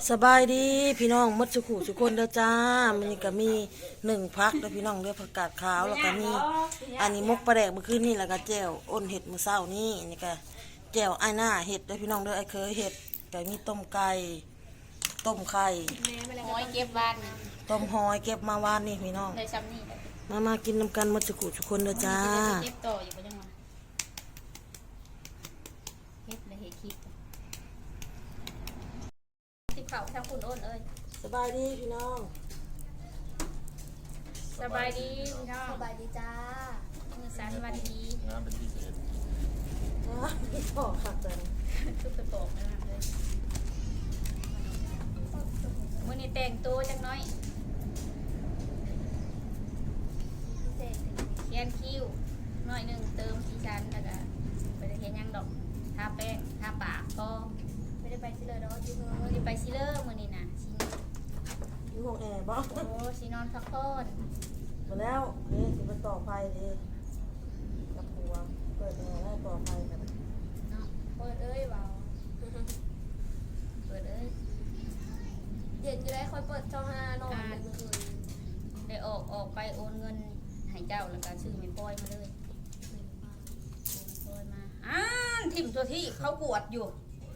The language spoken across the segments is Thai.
สบายดีพี่น้องมดสุขุสุคนเด้อจ้ามันนี่ก็มี1 พักเด้อพี่น้องเด้อผักกาดขาวแล้วก็มีอันนี้มกปลาแดกเมื่อคืนนี่แล้วก็แจ่วอ้นเห็ดมื้อเช้านี่นี่ก็แจ่วไอ้หน้าเห็ดเด้อพี่น้องเด้อไอ้เคยเห็ดก็มีต้มไก่ต้มไข่หอยเก็บบ้านต้มหอยเก็บมาวานนี่พี่น้องเลยซ้ำนี่แหละมากินน้ำกันมดสุขุสุคนเด้อจ้าเก็บต่ออยู่บ่จังหวะเฮ็ดเลยเฮ็ดคลิปติดเข่าทางคุณโอนเอ้ยสบายดีพี่น้องสบายดีพี่น้องสบายดีจ้ามือสันวันดีงานเป็นที่เสร็จพี่พ่อขัดจังทุกตะโกกนะครับเลยมื้อนี้แต่งตัวจักหน้อยพิเศษเขียนคิ้วหน่อยหนึงเติมสีชันแล้วก็ไปเฮ็ดหยังดอกทาแป้งทาปากก็ไม่ได้ไปที่เลยเนาะที่เมืองมื้อนี้ไปซิเลอร์มื้อนี้น่ะสิอยู่ห้องแอร์บ่โอ้สินอนพักผ่อนมาแล้วเด้สิมาต่อไฟเด้กับหัวเปิดแอร์แล้วต่อไฟกันเนาะเปิดเอ้ยเบาเปิดเอ้ยเดี๋ยวจะได้คอยเปิดช่อง5นอนเป็นมืออื่นได้ออกไปโอนเงินให้เจ้าแล้วก็ซื้อไม่ปล่อยมาเลยโอนมาทิมตัวที่เขากวดอยู่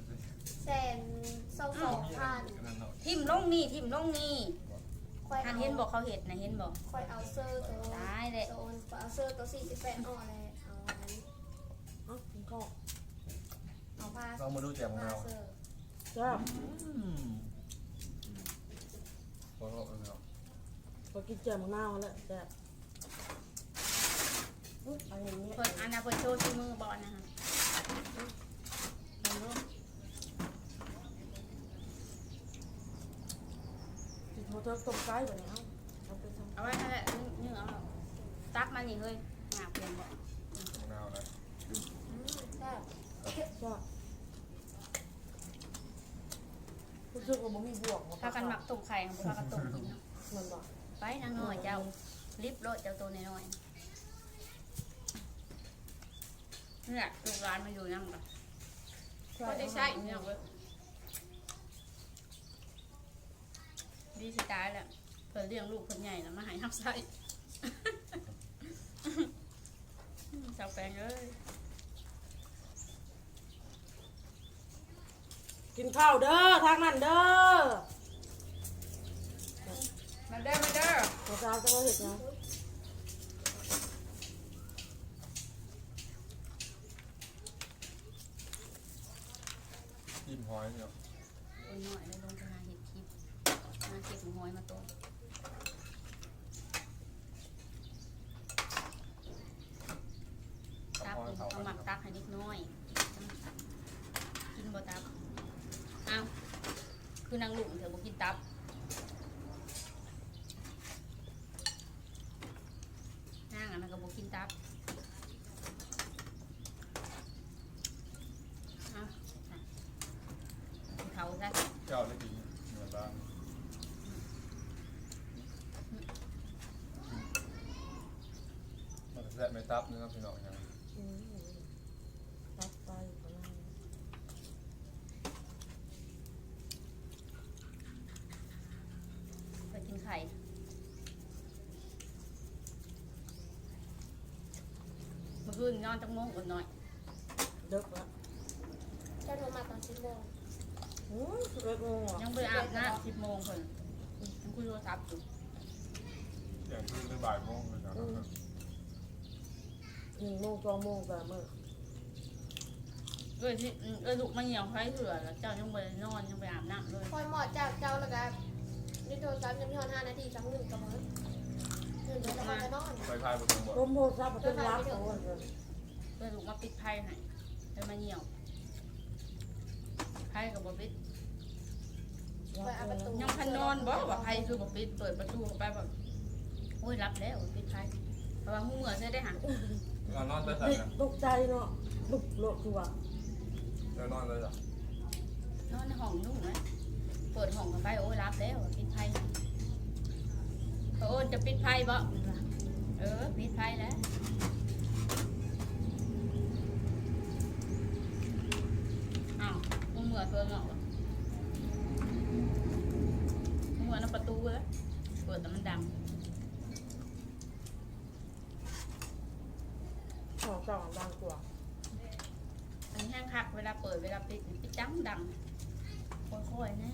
122,000 ทิมลงนี่ทิมลงนี่คอยอัเอานเห็นบอกเขาเห็ดนะเห็นบอกคอยเอาเซอร์ตัวตายเลยโซนเอาเซอร์ตัว48อ่อนเลยเอาอันนั้นเอ้าคุณก็เอาผ้าเรามาดูแจกของผ้าเราเซอร์จ้าพอเราเอาพอกินเจียวมะนาวแล้วจ้าอันนี้เพิ่นอันนั้นเพิ่นโชว์ที่มือบอลนะคะลองดูจิตโมเตอร์ต้มไก่แบบนี้เอาไปทำเอาไว้นั่นแหละนึ่งเอาตักมันนี่เฮ้ยหนาเปลี่ยนบอกของเรานะแซ่บจ้ารู้สึกว่ามันมีบวกพากันหมักต้มไข่ของพากันต้มกินเนาะมันบอกไปนางน้อยเจ้าลิบโลดเจ้าตัวน้อยๆเนี่ยลูกร้านมาอยู่นั่งกันก็ได้ใช้เนี่ยเว้ยดีสิตายแหละเพิ่นเลี้ยงลูกเพิ่นใหญ่แล้วมาใหายทับไส้ชาวแปลงเอ้ยกินข้าวเด้อทางนั้นเด้อมาเด้อมาเด้อตัวสาวจะมาเห็ดยังจิ้มหอยเนี่ยเอ็นหน่อยเลยลงไปหาเห็ดคลิปมาเก็บหอยมาตัวตักเอาหมักตักให้นิดน้อยกินบ่ตับอ้าวคือนางลุงเถอะบ่กินตับนางอันนั้นก็บ่กินตับอ้าวเขาซะเจ้าได้กินเหมือนบ้างมันจะแซ่บไม่ตับเนื้อพี่น้องยังตับไปของเราไปกินไข่เมื่อคืนนอนจังโมงอดหน่อยเด็กละแค่โทรมาตอน10 โมง 11 โมงอ่ะยังไปอาบน้ำ10 โมงคนยังคุยโทรศัพท์อยู่อย่างที่ได้บ่ายโมงเลยนะ 1 โมง 2 โมงแต่เมื่อที่ลูกมาเหี่ยวไฟเถื่อแล้วเจ้ายังไปนอนยังไปอาบน้ำเลยคอยหมอดจากเจ้าแล้วก็นี่โทรศัพท์ยังไม่ทอน5 นาทีสัก1กับมื้อ1เดี๋ยวจะมาจะนอนไปพายบนทางบกต้มโพดซับเป็นรักของมันเลยลูกมาปิดไพ่ให้เลยมาเหี่ยวไพ่กับบปิดคอยเอาประตูยังพันนอนบอกว่าไพ่คือบปิดเปิดประตูเข้าไปแบบโอ้ยรับแล้วปิดไพ่เพราะว่าหูเหงื่อใช้ได้หันเรานอนได้สักเด็กนะตกใจเนาะลุกโลดคือว่าเรานอนเลยเหรอนอนในห้องนุ่งไหมเปิดห้องกันไปโอ้ยรับแล้วปิดไพ่โอ้ยจะปิดไพ่บ่ปิดไพ่แล้วอ้าวหูเหงื่อเพิ่งออกเลยเปิดแต่มันดังขอสองบางกว่าอันนี้แห้งคักเวลาเปิดเวลาปิดปิดจังดังค่อยๆนะ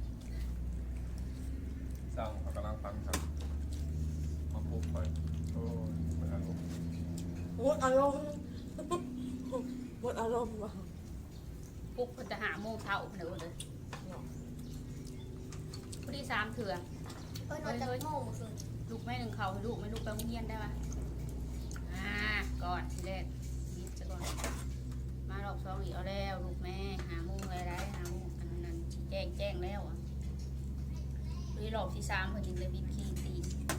สร้างเขากำลังฟังครับมาปุ๊บไปโอ้ยไม่ทันลูกหมดอารมณ์หมดอารมณ์ว่ะปลุกเพิ่นจะหาโมงเช้าเพิ่นเลยพอดี3 เถื่อนอนจากโมงเมื่อคืนลูกแม่หนึ่งเขาให้ลูกไม่ลูกไปโรงเรียนได้ปะก่อนทีแรกยิบซะก่อนมารอบสองอีกเอาแล้วลูกแม่หาโมงอะไรหาโมงอันนั้นแจ้งแล้วอ่ะพอดีรอบที่3เพิ่นยิงเลยบิดขี้ตี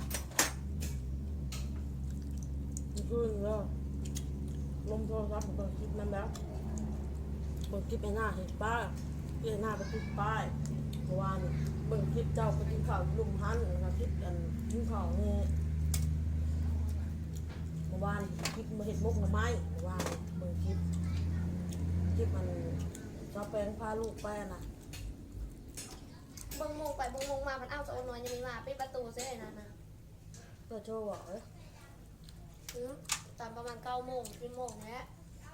มันขึ้นแล้วลมโทรศัพท์ผมเปิดคลิปนั้นแล้วเปิดคลิปไอ้หน้าเห็นป้ายไอ้หน้าไปติดป้ายเมื่อวานเนี่ยเบิ่งคลิปเจ้าไปกินข้าวลุมหันนะครับคลิปอันกินข้าวนี่เมื่อวานคลิปมาเห็นมุกหน่อไม้เมื่อวานเบิ่งคลิปมันเจ้าแปลงพาลูกไปนะเบิ่งโมงไปเบิ่งโมงมามันอ้าวจะโอนนอนยังมีมาปิดประตูเสียเลยนะก็โชว์บอกเลยตอนประมาณ9 โมง10 โมงแล้ว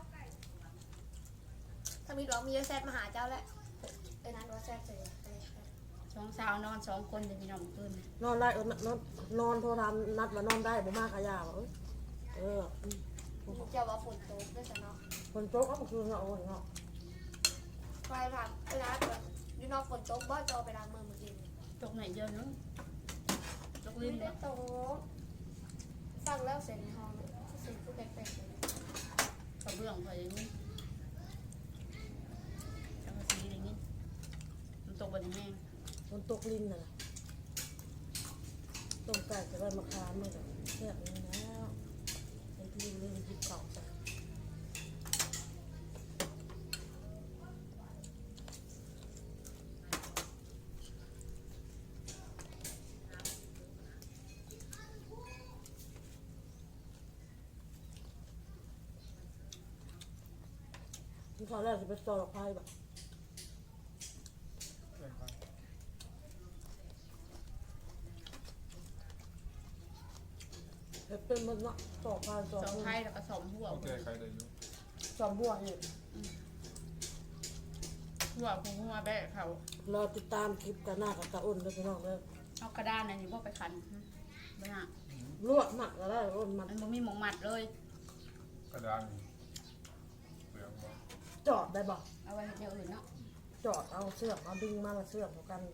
ถ้ามีดอกมีแซดมาหาเจ้าแล้วไอ้นั้นว่าแซดเสีย 2 สาวนอน2 คนจะมีน้องขึ้นนอนได้นอนโทรทำนัดมานอนได้บ่มากขยาบอกอืมเจ้าว่าฝนตกด้วยซะเนาะคนโต๊ะก็มาคืนเนาะโอ้ยเนาะไปผ่านเวลาแบบยูนอกฝนตกบ่จอไปล้างมือเมื่อกี้ตกไหนเยอะนึงตกไม่ลิ้นได้เนาะตกฟังแล้วเสียงในห้องเสียงผู้แปลกๆเลยกระเบื้องพออย่างนี้จังกะสีอย่างนี้มันตกบนแห้งคนตกลิ้นน่ะนะต้มไก่จะได้มาคามเลยแซ่บเลยแล้วไอ้ลิ้นเล่นจิบเก่าจ้ะที่เขาแรกจะไปสอบไพ่แบบ เป็นมันเนาะสอบพานสอบ 2 ไทยแล้วก็2 หัวโอเคใครได้อยู่สอบบัวนี่หัวของหัวแบะเขารอติดตามคลิปกันหน้ากับตาอ้นด้วยพี่น้องเลยเอากระดานอันนี้ว่าไปขันไปหาลวกหมักก็ได้อ้นมันมันบ่มีหมองมัดเลยกระดานเปลืองบ่จอดได้บ่เอาไว้เดี๋ยวอื่นเนาะจอดเอาเสือกเอาดึงมาเสือกของกัน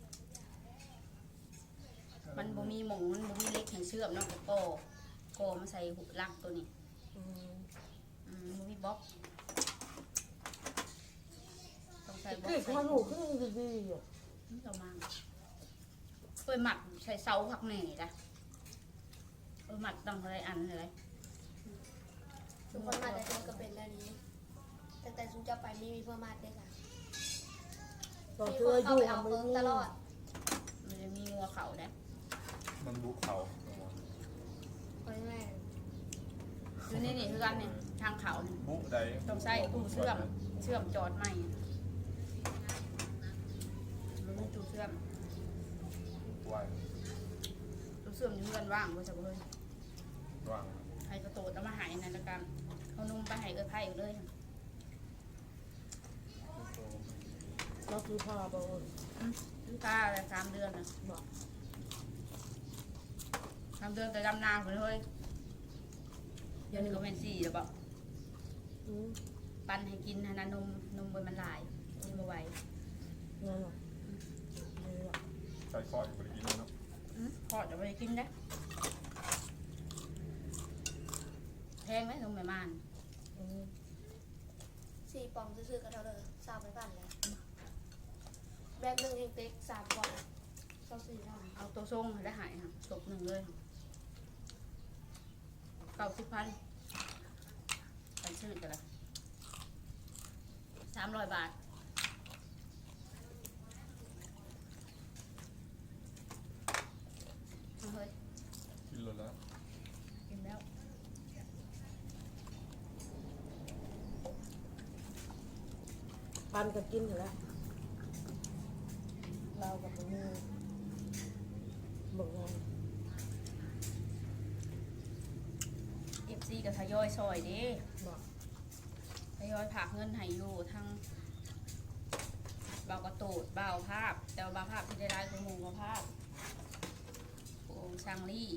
มันบ่มีหมองมันบ่มีเล็กให้เชื่อมเนาะก็โกมาใส่หุลักตัวนี้อืมบ่มีบล็อกต้องใส่บล็อกคือใส่ความรู้ขึ้นดีๆอ่ะเรามาเอ้ยหมัดใส่เสาผักแหน่จ้ะหมัดต้องอะไรอันเลยทุกคนมาแต่เดินก็เป็นแล้วนี้แต่ซุนจะไปไม่มีเพื่อมาได้ค่ะตอนมีเชื่คอน อเข้ายู่ไปเอามันเพิ่งมีตลอดมันจะมีงัวเขาได้มันบุกเขาไปแม่อยู่นี่คือกันเนี่ยทางเขาเนี่ยบุกใดต้องใส่ตู้เชื่อมจอดใหม่มันมีตู้เชื่อมไว้ตู้เชื่อมอยู่เงินว่างไว้สักเลยว่างให้กระโตดแล้วมาหายนั่นละกันเขานุ่มไปหายเออไผ่อยู่เลยเราคือพาไปอ้นถ้า3 เดือนนะบอก 3 เดือนแต่ดำนาไปเลยเดี๋ยวนี้ก็เป็น4แล้วบอกอืมปั้นให้กินให้นะนมบนมันหลายกินบ่ไหวนั่นหรอนี่หรอใส่ซอยอยู่บริกินเนาะพอจะไปกินได้แพงไหมนมแม่ม่านอืม 4 ปองซื้อๆกันเท่าเดิม3ไปปั่นแล้วแบบ1เฮงเต็ก3 ปอง24เท่าเอาตัวทรงให้ได้หายค่ะตก1เลย90,000ไปซื้อกันละ300 บาทเอาเฮ้ยกินเลยแล้วกินแล้วปันก็กินอยู่แล้วเรากับมันมีบอกว่า FC ก็ทยอยซอยเด้บอกทยอยผากเงินให้อยู่ทั้งเบากระตูดเบาภาพแต่ว่าเบาภาพที่ได้รายคือหมู่เบาภาพโอ้ช่างลี่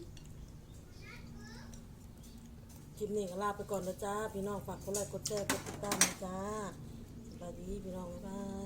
คลิปนี้ก็ลาไปก่อนนะจ้าพี่น้องฝากกดไลค์กดแชร์กดติดตามนะจ้าสวัสดีพี่น้องบ๊ายบาย